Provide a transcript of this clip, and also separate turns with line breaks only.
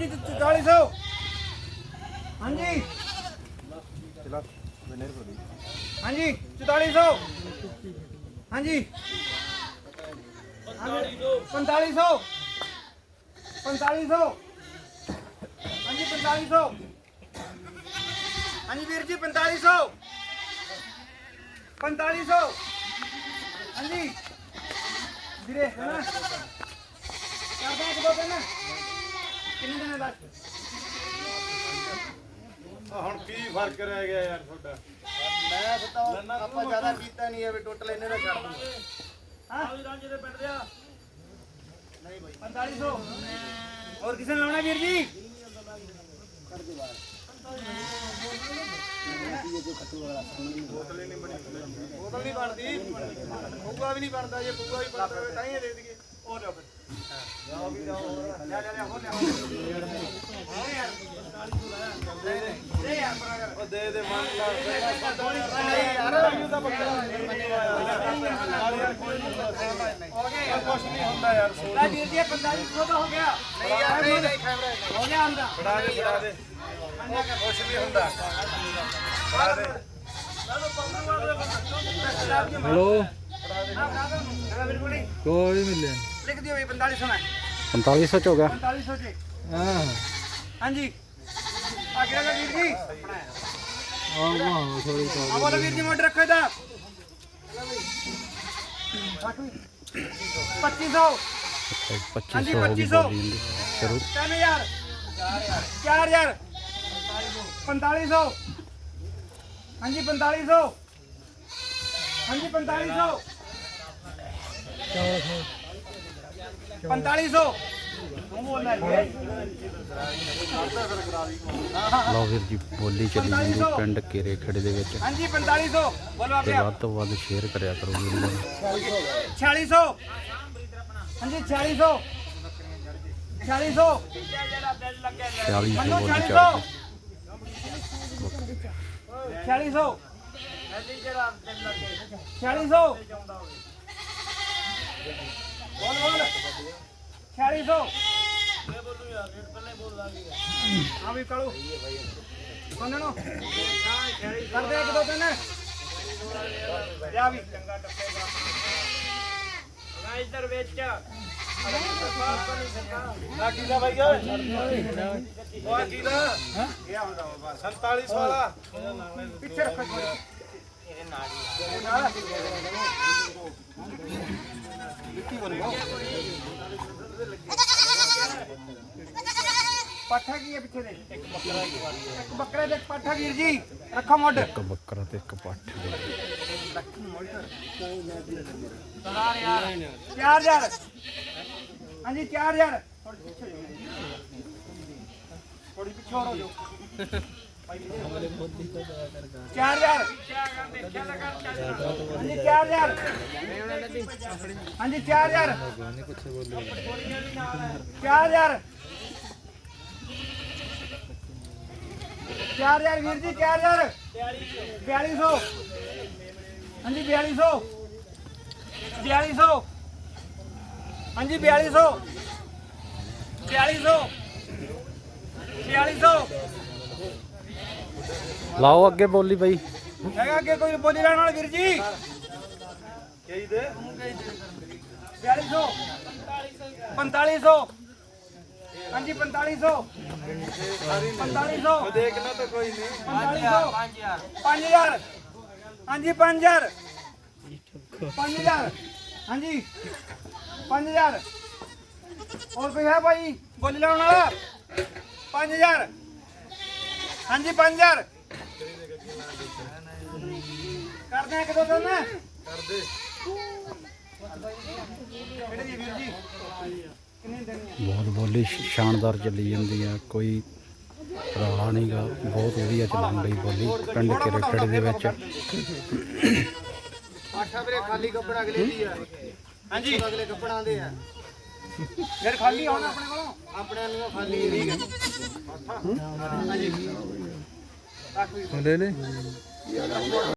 4400 हाँ जी हाँ जी 4400 हाँ जी 4500 4500 हाँ जी 4500 हाँ जी वीर जी 4500 4500 हाँ जी ਵੀਰੇ ਹੈ ਨਾ ਕਰਦਾ ਇੱਕ ਦੋ ਦਿਨ ਕਿੰਨੇ ਦਿਨ ਦਾ
ਹੁਣ ਕੀ ਫਰਕ ਰਹਿ ਗਿਆ ਯਾਰ ਤੁਹਾਡਾ
ਮੈਂ ਬਤਾਓ ਆਪਾਂ ਜ਼ਿਆਦਾ ਕੀਤਾ ਨਹੀਂ ਹੈ ਵੀ ਟੋਟਲ ਇਹਨੇ ਦਾ ਛੱਡ ਦੂੰਗਾ
ਹਾਂ ਵੀ ਰਾਂਝੇ ਦੇ ਪਿੰਡ ਰਿਆ ਨਹੀਂ ਭਾਈ 4500 ਹੋਰ ਕਿਸੇ ਨੇ ਲਾਉਣਾ ਵੀਰ ਜੀ ਕਰ ਦੇ ਬਾਹਰ
ਬੋਤਲ ਨਹੀਂ ਬਣੀ
ਬੋਤਲ ਨਹੀਂ ਬਣਦੀ ਪੂਆ ਵੀ ਨਹੀਂ ਬਣਦਾ ਜੇ ਪੂਆ ਵੀ ਬਣਦਾ ਹੋਵੇ ਤਾਂ ਹੀ ਦੇ ਦਈਏ
ਉਹ ਲਿਓ ਫਿਰ
ਜਾਓ ਵੀ ਜਾਓ
ਲੈ ਲੈ ਲੈ ਹੋ ਲੈ ਦੇ ਯਾਰ ਬਰਾਬਰ
ਉਹ ਦੇ ਦੇ ਮਨ ਲਾ
ਨਹੀਂ ਯਾਰ ਇਹ ਤਾਂ ਬੱਕਰਾ
ਹੋ ਗਏ
ਕੁਛ ਨਹੀਂ ਹੁੰਦਾ ਯਾਰ
ਲੈ ਵੀਰ ਜੀ 4500 ਦਾ ਹੋ ਗਿਆ
ਨਹੀਂ ਯਾਰ ਨਹੀਂ ਖੈਮਰਾ
ਹੋ ਗਿਆ ਆਂਦਾ
ਫੜਾ ਦੇ ਕੁਛ ਨਹੀਂ ਹੁੰਦਾ ਫੜਾ ਦੇ
हेलो
ਬਿਲਕੁਲ ਨਹੀਂ
कोई मिले
ਲਿਖ ਦਿਓ ਇਹ 4500 ਹੈ
4500 हो गया
4500 ਜੀ
हाँ
ਹਾਂਜੀ ਆ ਗਿਆ ਗਾ ਵੀਰ ਜੀ
थोड़ी
ਆ ਬੋਲੋ ਵੀਰ ਜੀ ਮੋਟਰ ਰੱਖੋ ਇਹਦਾ 2500 ਹਾਂਜੀ 2500
शुरू
3000 4000 4500 ਹਾਂਜੀ 4500 ਹਾਂਜੀ 4500 4500 ਤੂੰ ਬੋਲਣਾ ਹੈ
ਲਓ ਵੀਰ ਜੀ ਬੋਲੀ ਚੱਲੀ ਜਾਂਦੀ ਪਿੰਡ ਕੇਰੇ ਖੜੇ ਦੇ ਵਿੱਚ
ਹਾਂਜੀ 4500 ਬੋਲੋ
ਤੇ
ਆਪੇ
ਵੱਧ ਤੋਂ ਵੱਧ ਸ਼ੇਅਰ ਕਰਿਆ ਕਰੋ ਵੀਰ ਨੂੰ
4600 ਹਾਂਜੀ 4600 4600
40
ਮੰਨੋ
ਦੀ ਬੋਲੀ
4600
ਚੱਲ
4600 4600 ਬੋਲ ਬੋਲ 4600 ਹਾਂ ਵੀ ਕਾਲੂ ਸੁਣਨੋ ਕਰਦੇ ਇੱਕ ਦੋ ਦਿਨ ਜਾ ਵੀ ਚੰਗਾ ਟੱਪੇਗਾ ਨਾ ਇੱਧਰ ਵਿੱਚ
ਕੀ ਦਾ ਭਾਈ ਓਏ ਉਹ ਕੀ ਦਾ
ਇਹ ਆਉਂਦਾ ਬਸ
47 ਵਾਲਾ
ਪਿੱਛੇ ਰੱਖੋ ਇਹ ਨਾਲ ਪਾਠਾ ਕੀ ਹੈ ਪਿੱਛੇ ਦੇ ਇੱਕ ਬੱਕਰਾ ਤੇ ਇੱਕ ਪਾਠਾ ਵੀਰ ਜੀ ਰੱਖੋ ਮੁੱਢ
ਇੱਕ ਬੱਕਰਾ ਤੇ ਇੱਕ ਪੱਠ
4000 ਹਾਂਜੀ 4000 ਥੋੜੀ ਪਿੱਛੇ ਹੋ ਜਾਓ 4000 ਹਾਂਜੀ 4000 ਹਾਂਜੀ 4000 4000 4000 ਵੀਰ ਜੀ 4000 4200 ਹਾਂਜੀ 4200 4200 ਹਾਂਜੀ 4200 4200 4200
ਲਾਓ ਅੱਗੇ ਬੋਲੀ ਬਈ
ਹੈਗਾ ਅੱਗੇ ਕੋਈ ਬੋਲੀ ਲੈਣ ਵਾਲਾ ਵੀਰ ਜੀ
ਕਹੀ ਦੇ
4200 4500 ਹਾਂਜੀ 4500 4500
ਦੇਖਣਾ ਤਾਂ ਕੋਈ ਨਹੀਂ
5000 ਹਾਂਜੀ 5000 5000 ਹਾਂਜੀ 5000 ਹੋਰ ਕੋਈ ਹੈ ਭਾਈ ਬੋਲੀ ਲਾਉਣ ਵਾਲਾ 5000 ਹਾਂਜੀ 5000 ਕਰਦੇ ਆ ਇੱਕ ਦੋ ਦਿਨ
ਕਰਦੇ
ਕਿਹੜੇ ਜੀ ਵੀਰ ਜੀ ਕਿੰਨੇ ਦਿਨ
ਬਹੁਤ ਬੋਲੀ ਸ਼ਾਨਦਾਰ ਚੱਲੀ ਜਾਂਦੀ ਆ ਕੋਈ ਰੌਲਾ ਨਹੀਂਗਾ ਬਹੁਤ ਵਧੀਆ ਚੱਲਣ ਲਈ ਬੋਲੀ ਪਿੰਡ ਕੇਰੇ ਖੜੇ ਦੇ ਵਿੱਚ
ਆਠਾ ਵੀਰੇ ਖਾਲੀ ਕੱਪੜਾ ਅਗਲੇ ਦੀ ਆ
ਹਾਂਜੀ
ਅਗਲੇ ਕੱਪੜਾਂ ਦੇ ਆ
ਫਿਰ ਖਾਲੀ ਆਉਣਾ ਆਪਣੇ ਕੋਲੋਂ
ਆਪਣੇ ਨੂੰ ਖਾਲੀ ਠੀਕ ਹੈ
ਲੈ ਲੈ